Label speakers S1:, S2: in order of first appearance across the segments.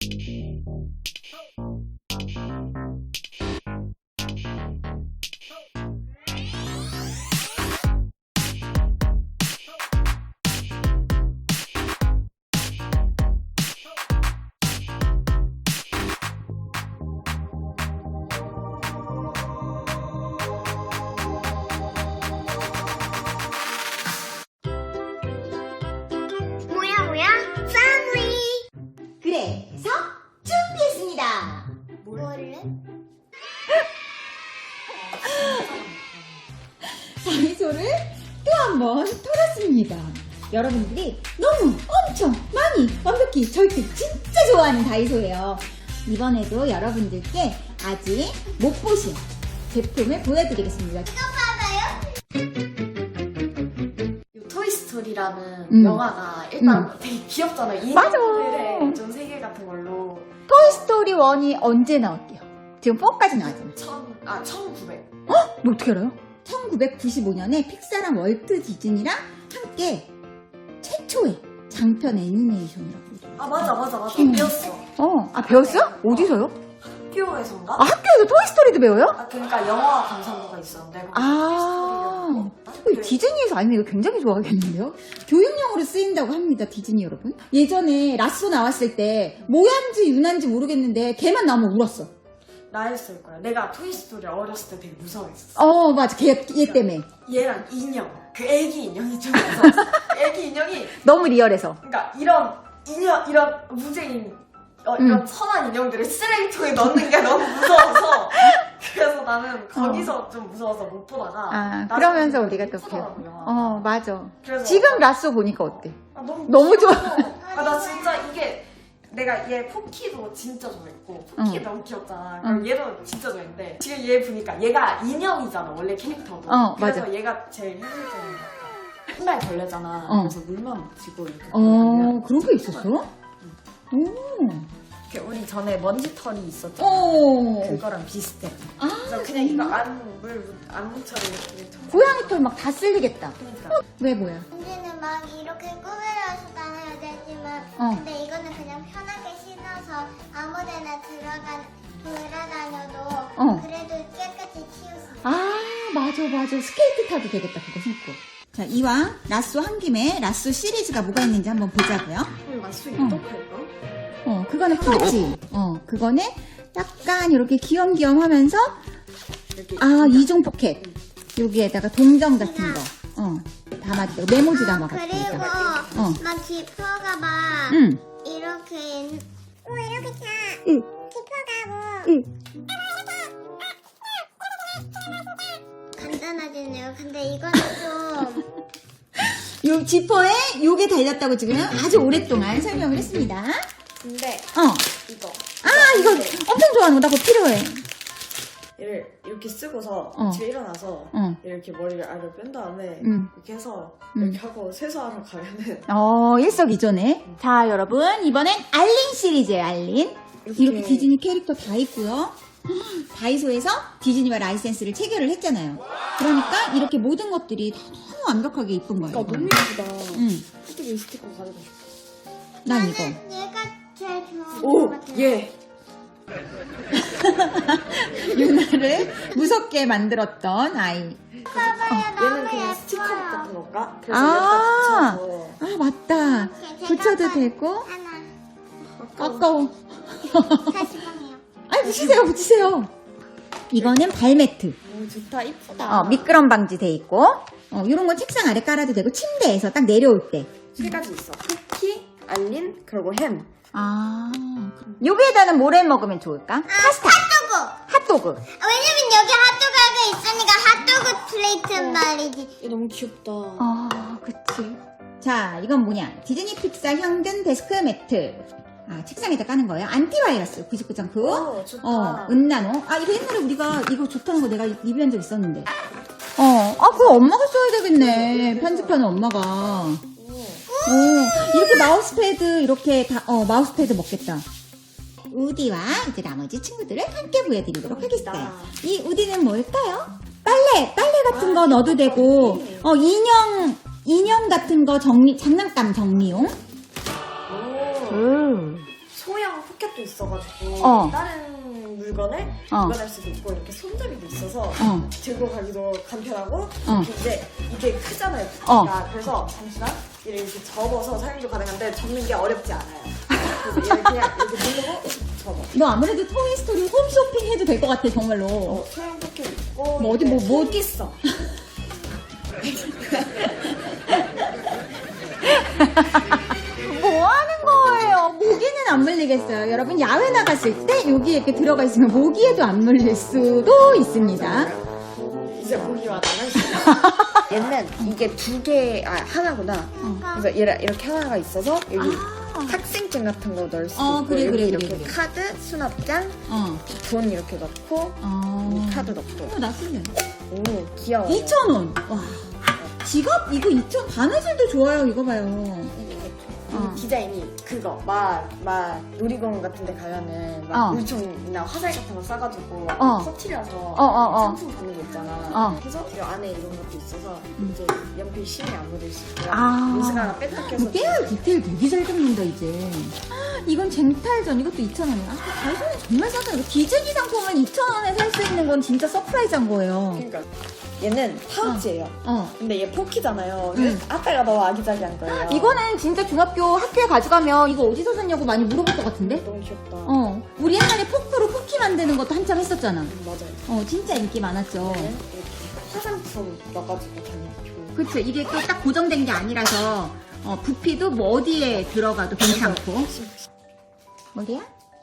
S1: 그래서 준비했습니다.
S2: 뭐를?
S1: 다이소를 또 한 번 털었습니다. 여러분들이 너무 엄청 많이 완벽히 절대 진짜 좋아하는 다이소예요. 이번에도 여러분들께 아직 못 보신 제품을 보여드리겠습니다.
S2: 토이스토리라는 영화가 일단 되게 귀엽잖아요.
S1: 맞아.
S2: 인형들의 좀 세계 같은 걸로.
S1: 토이스토리 1이 언제 나왔대요? 지금 4까지 나왔잖아요.
S2: 1900.
S1: 너 어떻게 알아요? 1995년에 픽사랑 월트 디즈니랑 함께 최초의 장편 애니메이션이라고.
S2: 맞아.
S1: 음.
S2: 배웠어.
S1: 배웠어요? 어디서요?
S2: 학교에서인가?
S1: 학교에서 토이스토리도 배워요?
S2: 그러니까 영화 강사부가 있었는데.
S1: 디즈니에서 아니면 이거 굉장히 좋아하겠는데요? 교육용으로 쓰인다고 합니다, 디즈니 여러분. 예전에 라쏘 나왔을 때 모양인지 유난인지 모르겠는데 걔만 나오면 울었어.
S2: 나였을 거야. 내가 토이스토리 어렸을 때 되게 무서워했어.
S1: 맞아. 얘 때문에.
S2: 얘랑 인형. 그 애기 인형이 좀 무서웠어. 애기 인형이.
S1: 너무 리얼해서.
S2: 그러니까 이런 무죄인 이런 선한 인형들을 쓰레기통에 넣는 게 너무 무서워서 그래서 나는 거기서 좀 무서워서 못 보다가
S1: 그러면서 우리가 또
S2: 배워.
S1: 맞아.
S2: 그래서
S1: 지금 라쏘 보니까 어때?
S2: 너무
S1: 좋아.
S2: 나 진짜 이게 내가 얘 포키도 진짜 좋아했고 포키 너무 귀엽잖아. 그럼 얘도 진짜 좋아했는데 지금 얘 보니까 얘가 인형이잖아 원래 캐릭터도. 그래서
S1: 맞아.
S2: 얘가 제일 현실적인 거야. 맨날 걸레잖아. 그래서 물만 묻히고 이렇게.
S1: 그런 게 있었어?
S2: 우리 전에 먼지털이 있었잖아. 그거랑 비슷해. 그래서 그냥 이거 안 묻혀도 이렇게.
S1: 고양이 털 막 다 쓸리겠다.
S2: 그러니까.
S1: 왜 뭐야?
S3: 언니는 막 이렇게 꾸며서 다녀야 되지만 근데 이거는 그냥 편하게 신어서 아무데나 돌아다녀도 그래도 깨끗이 치울 수 있어.
S1: 맞아. 스케이트 타도 되겠다, 그거 신고. 자, 이왕 라쏘 한 김에 라쏘 시리즈가 뭐가 있는지 한번 보자고요.
S2: 맛수 어떡할까?
S1: 그거는 파지. 그거는 약간 이렇게 귀염귀염하면서 이중 포켓. 여기에다가 동전 같은 거. 담았대. 메모지 담아가지고.
S3: 그리고 막 지퍼가 막 이렇게 이렇게 다 지퍼가고 간단하겠네요. 근데 이거는 좀
S1: 요 지퍼에 요게 달렸다고 지금 아주 오랫동안 설명을 했습니다.
S2: 근데 이거
S1: 이거 엄청 좋아하는 거. 나 그거 필요해.
S2: 얘를 이렇게 쓰고서 집에 일어나서 이렇게 머리를 아래로 뺀 다음에 이렇게 해서 이렇게 하고 세수하러 가면은
S1: 일석이조네. 자, 여러분 이번엔 알린 시리즈예요. 알린. 이렇게 디즈니 캐릭터 다 있고요. 다이소에서 디즈니와 라이센스를 체결을 했잖아요. 그러니까 이렇게 모든 것들이 다 너무 완벽하게 이쁜 거예요.
S2: 너무 예쁘다.
S1: 응.
S2: 이 스티커 가지고 싶어.
S1: 난 이거.
S3: 얘가 제일 좋아하는 것 같아요.
S2: 예.
S1: 유나를 무섭게 만들었던 아이.
S3: 봐봐요.
S2: 얘는
S3: 너무
S2: 그냥 스티커
S3: 예뻐요.
S2: 같은 건가? 그래서 여기다 붙여서.
S1: 맞다. 붙여도 되고.
S3: 하나
S1: 아까워.
S3: 다시 보내요.
S1: 붙이세요. 이거는 발매트.
S2: 좋다, 이쁘다.
S1: 미끄럼 방지 돼 있고. 이런 건 책상 아래 깔아도 되고 침대에서 딱 내려올 때.
S2: 세 가지 있어. 쿠키, 알린, 그리고 햄.
S1: 여기에다는 뭐를 먹으면 좋을까? 파스타. 핫도그.
S3: 왜냐면 여기 핫도그가 있으니까 핫도그 플레이트 말이지.
S2: 얘 너무 귀엽다.
S1: 그치. 자, 이건 뭐냐? 디즈니 픽사 현금 데스크 매트. 책상에다 까는 거예요. 안티바이러스 99.9.
S2: 좋다.
S1: 은나노. 이거 옛날에 우리가 이거 좋다는 거 내가 리뷰한 적 있었는데. 그거 엄마가 써야 되겠네. 편집하는 엄마가. 이렇게 마우스패드, 이렇게 다, 마우스패드 먹겠다. 우디와 이제 나머지 친구들을 함께 보여드리도록 하겠어요. 이 우디는 뭘까요? 빨래 같은 거 넣어도 되고, 인형 같은 거 장난감 정리용.
S2: 소형 포켓도 있어가지고 다른 물건을 보관할 수도 있고 이렇게 손잡이도 있어서 들고 가기도 간편하고 이제 이게 크잖아요. 그래서 잠시만 이렇게 접어서 사용도 가능한데 접는 게 어렵지 않아요. 그래서 얘를 그냥 이렇게 누르고 접어.
S1: 너 아무래도 토이스토리 홈쇼핑 해도 될 것 같아 정말로.
S2: 소형 포켓 있고
S1: 뭐 어디 뭐
S2: 있어.
S1: 뭐 하는 거예요? 모기는 안 물리겠어요. 여러분 야외 나갔을 때 여기 이렇게 들어가 있으면 모기에도 안 물릴 수도 있습니다.
S2: 이제 모기와 나갈 수 있어. 얘는 이게 하나구나. 그래서 얘를 이렇게 하나가 있어서 여기 학생증 같은 거 넣을 수 있고
S1: 그래,
S2: 여기
S1: 그래,
S2: 이렇게
S1: 그래.
S2: 카드, 수납장, 돈 이렇게 넣고 카드 넣고.
S1: 나 쓸래.
S2: 오 귀여워.
S1: 2,000원. 와. 지갑 이거 2,000원. 바느질도 좋아요. 이거 봐요.
S2: 이 디자인이 그거 놀이공원 같은 데 가면은 물총이나 화살 같은 거 싸가지고 터트려서 상품 받는 거 있잖아. 그래서 이 안에 이런 것도 있어서 이제 연필 심이 안 묻을 수 있고요. 음식 하나 뺐다 껴서
S1: 깨알 디테일 되게 잘 잡는다 이제. 이건 쟁탈전 이것도 2,000원이야. 다이소는 정말 싸다. 이거 디즈니 상품을 2,000원에 살 수 있는 건 진짜 서프라이즈한 거예요.
S2: 그러니까 얘는 파우치예요. 근데 얘 포키잖아요. 아빠가 너무 아기자기한 거예요.
S1: 이거는 진짜 중학교 학교에 가져가면 이거 어디서 샀냐고 많이 물어볼 것 같은데?
S2: 너무 귀엽다.
S1: 우리 옛날에 포크로 쿠키 만드는 것도 한참 했었잖아.
S2: 맞아요.
S1: 진짜 인기 많았죠.
S2: 이렇게 화장품 넣어가지고 다니고.
S1: 그치. 이게 또 딱 고정된 게 아니라서 부피도 뭐 어디에 들어가도 괜찮고. 어디야?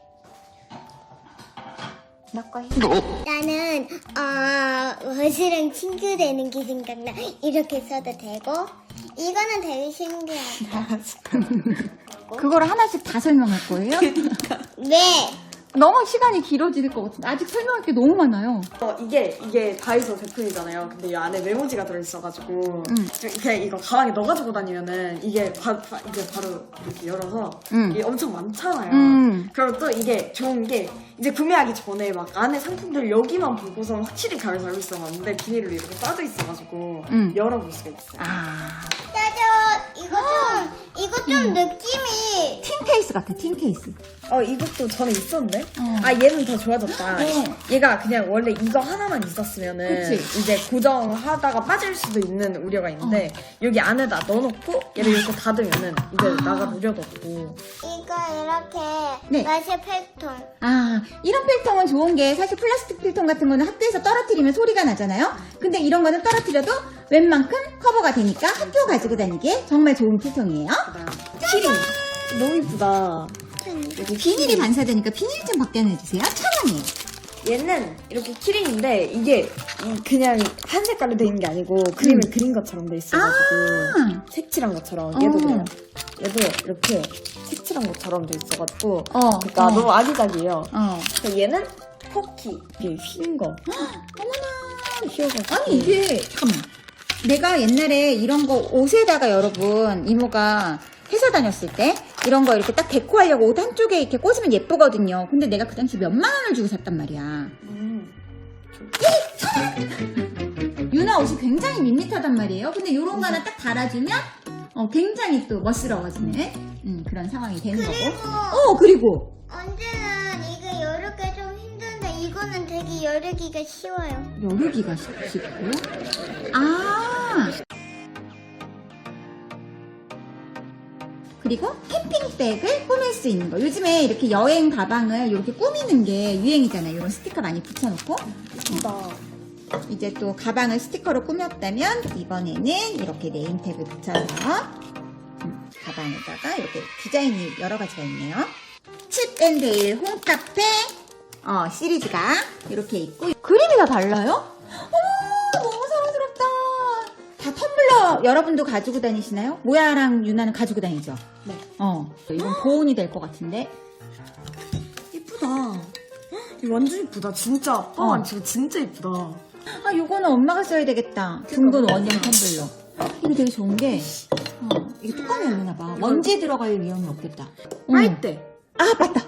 S1: 너거 해.
S3: 나는 워즈랑 친구 되는 게 생각나. 이렇게 써도 되고 이거는 되게 신기하다.
S1: 그거를 하나씩 다 설명할 거예요?
S3: 네.
S1: 너무 시간이 길어질 것 같은데 아직 설명할 게 너무 많아요.
S2: 이게 다이소 제품이잖아요. 근데 이 안에 메모지가 들어있어가지고 그냥 이거 가방에 넣어가지고 다니면은 이게 이제 바로 이렇게 열어서 이게 엄청 많잖아요. 그리고 또 이게 좋은 게 이제 구매하기 전에 막 안에 상품들 여기만 보고서 확실히 잘 알고 있었는데 비닐로 이렇게 싸져 있어가지고 열어볼 수가 있어요.
S3: 짜잔. 이거 좀 느낌이
S1: 틴 케이스 같아. 틴 케이스.
S2: 이것도 전에 있었는데? 얘는 더 좋아졌다. 얘가 그냥 원래 이거 하나만 있었으면은
S1: 그치?
S2: 이제 고정하다가 빠질 수도 있는 우려가 있는데 여기 안에다 넣어놓고 얘를 이렇게 닫으면은 이제 나갈 우려도 없고.
S3: 이거 이렇게
S1: 네.
S3: 마실 팩통.
S1: 이런 필통은 좋은 게 사실 플라스틱 필통 같은 거는 학교에서 떨어뜨리면 소리가 나잖아요. 근데 이런 거는 떨어뜨려도 웬만큼 커버가 되니까 학교 가지고 다니기에 정말 좋은 필통이에요.
S2: 키링. 너무 이쁘다.
S1: 여기 비닐이 반사되니까 비닐 좀 벗겨내주세요. 1,000원이에요.
S2: 얘는 이렇게 키링인데 이게 그냥 한 색깔로 돼 있는 게 아니고 그림을 그린 것처럼 돼 있어가지고 색칠한 것처럼 얘도 그래요. 얘도 이렇게 색칠한 것처럼 돼 있어가지고 그러니까 너무 아기자기해요. 그래서 얘는 포키 이게 휜 거.
S1: 어머나.
S2: 휘어가지고.
S1: 아니 이게 잠깐만. 내가 옛날에 이런 거 옷에다가 여러분 이모가 회사 다녔을 때 이런 거 이렇게 딱 데코하려고 옷 한쪽에 이렇게 꽂으면 예쁘거든요. 근데 내가 그 당시 몇만 원을 주고 샀단 말이야. 유나 옷이 굉장히 밋밋하단 말이에요. 근데 요런 거 하나 딱 달아주면 굉장히 또 멋스러워지는 그런 상황이 되는 거고. 그리고
S3: 언제는 이게 열기가 좀 힘든데 이거는 되게 열기가 쉬워요.
S1: 여르기가 쉽고. 그리고 캠핑백을 꾸밀 수 있는 거. 요즘에 이렇게 여행 가방을 이렇게 꾸미는 게 유행이잖아요. 이런 스티커 많이 붙여놓고. 이제 또 가방을 스티커로 꾸몄다면 이번에는 이렇게 네임택을 붙여서 가방에다가 이렇게 디자인이 여러 가지가 있네요. 칩앤데일 홈카페 시리즈가 이렇게 있고 그림이 다 달라요? 어머 너무 사랑스럽다. 다 텀블러 여러분도 가지고 다니시나요? 모야랑 유나는 가지고 다니죠?
S2: 네.
S1: 이건 보온이 될 것 같은데.
S2: 이쁘다. 이거 완전 이쁘다. 진짜 아빠만 지금 진짜 이쁘다.
S1: 요거는 엄마가 써야 되겠다. 둥근 원형 텀블러. 이거 되게 좋은 게 이게 뚜껑이 열리나 봐. 먼지 들어갈 위험이 없겠다.
S2: 빨대.
S1: 맞다.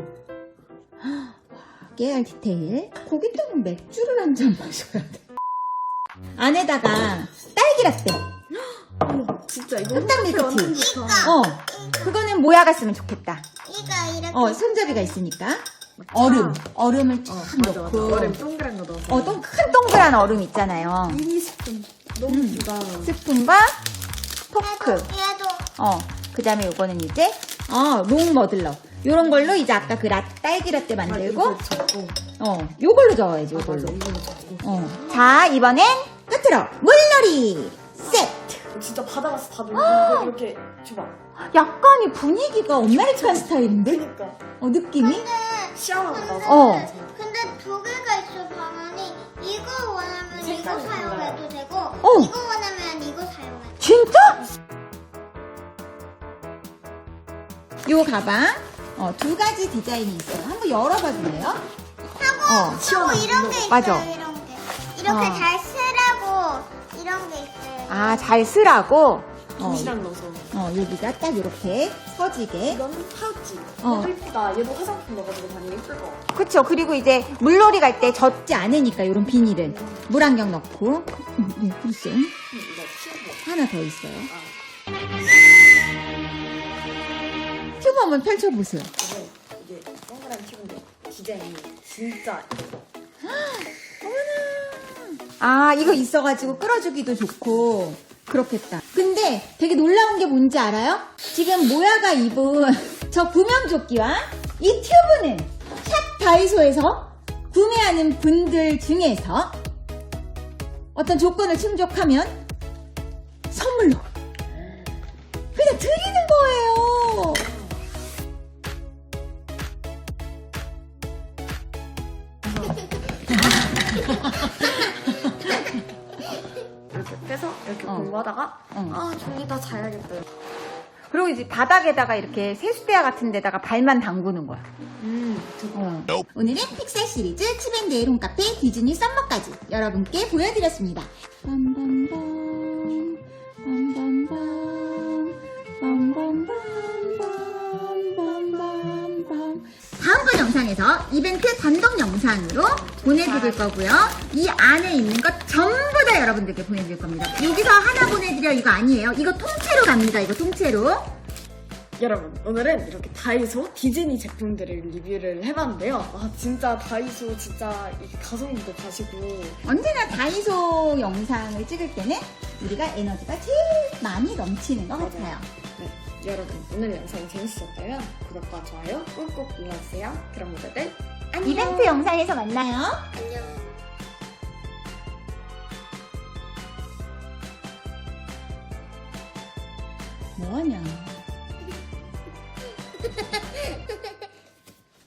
S1: 깨알 디테일. 거기다가 맥주를 한 잔 마셔야 돼. 안에다가 딸기 라떼.
S2: 진짜 이거
S1: 흑당 밀크티.
S2: 완전 좋다.
S1: 그거는 모야가 쓰면 좋겠다.
S3: 손잡이가 이렇게.
S1: 손잡이가 있으니까. 얼음을 쫙
S2: 맞아.
S1: 넣고.
S2: 얼음 동그란 거 넣어서.
S1: 큰 동그란 얼음 있잖아요.
S2: 미니 스푼. 너무 주다.
S1: 스푼과 포크.
S3: 얘도.
S1: 그 다음에 요거는 이제, 롱 머들러. 요런 걸로 이제 아까 그 딸기 라떼 만들고, 요걸로 저어야지, 요걸로.
S2: 이걸로 잡고.
S1: 자, 이번엔 끝으로 물놀이 세트.
S2: 진짜 바다 가서 다들 이거 이렇게 줘봐.
S1: 약간 이 분위기가 아메리칸 스타일인데?
S2: 그니까.
S1: 느낌이?
S2: 시원하고 나서.
S3: 근데 두 개가 있어 방안이. 이거 원하면 이거
S2: 색깔이
S3: 사용해도 되고, 이거 원하면 이거 사용해도 돼.
S1: 진짜? 요 가방, 두 가지 디자인이 있어요. 한번 열어봐 줄래요?
S3: 하고 이런 게 있어요.
S1: 맞아.
S3: 이런 게. 이렇게 잘 쓰라고 이런 게 있어요.
S1: 잘 쓰라고?
S2: 도시락 넣어서.
S1: 여기가 딱 이렇게 서지게.
S2: 이건 파우치. 얘도 이쁘다. 얘도 화장품 넣어가지고 다니면 이쁠 것 같아.
S1: 그쵸. 그리고 이제 물놀이 갈 때 젖지 않으니까 이런 비닐을 물안경 넣고. 글쎄.
S2: 이거 치우고.
S1: 하나 더 있어요. 튜브 한번 펼쳐보세요.
S2: 이게 동그란 튀김인데 디자인이 진짜 예뻐.
S1: 이거 있어가지고 끌어주기도 좋고 그렇겠다. 근데 되게 놀라운 게 뭔지 알아요? 지금 모야가 입은 저 구명조끼와 이 튜브는 샵 다이소에서 구매하는 분들 중에서 어떤 조건을 충족하면 선물로 그냥 드리는 거예요.
S2: 이렇게 빼서 이렇게 공부하다가 졸리다 자야겠다.
S1: 그리고 이제 바닥에다가 이렇게 세수대야 같은 데다가 발만 담그는 거야. 오늘은 픽셀 시리즈 치밴드의 홈카페 디즈니 썸머까지 여러분께 보여드렸습니다. 빰빰빰 빰빰빰 빰빰빰빰빰빰빰. 다음번 영상에서 이벤트 단독 영상으로 보내드릴 거고요. 이 안에 있는 것 전부 다 여러분들께 보내드릴 겁니다. 여기서 하나 보내드려 이거 아니에요. 이거 통째로 갑니다. 이거 통째로.
S2: 여러분 오늘은 이렇게 다이소 디즈니 제품들을 리뷰를 해봤는데요. 진짜 다이소 진짜 이게 가성비도 가시고
S1: 언제나 다이소 영상을 찍을 때는 우리가 에너지가 제일 많이 넘치는 것 같아요.
S2: 네, 여러분 오늘 영상이 재밌으셨다면 구독과 좋아요 꾹꾹 눌러주세요. 그럼 모두들 안녕.
S1: 이벤트 영상에서 만나요.
S3: 안녕.
S1: 뭐하냐.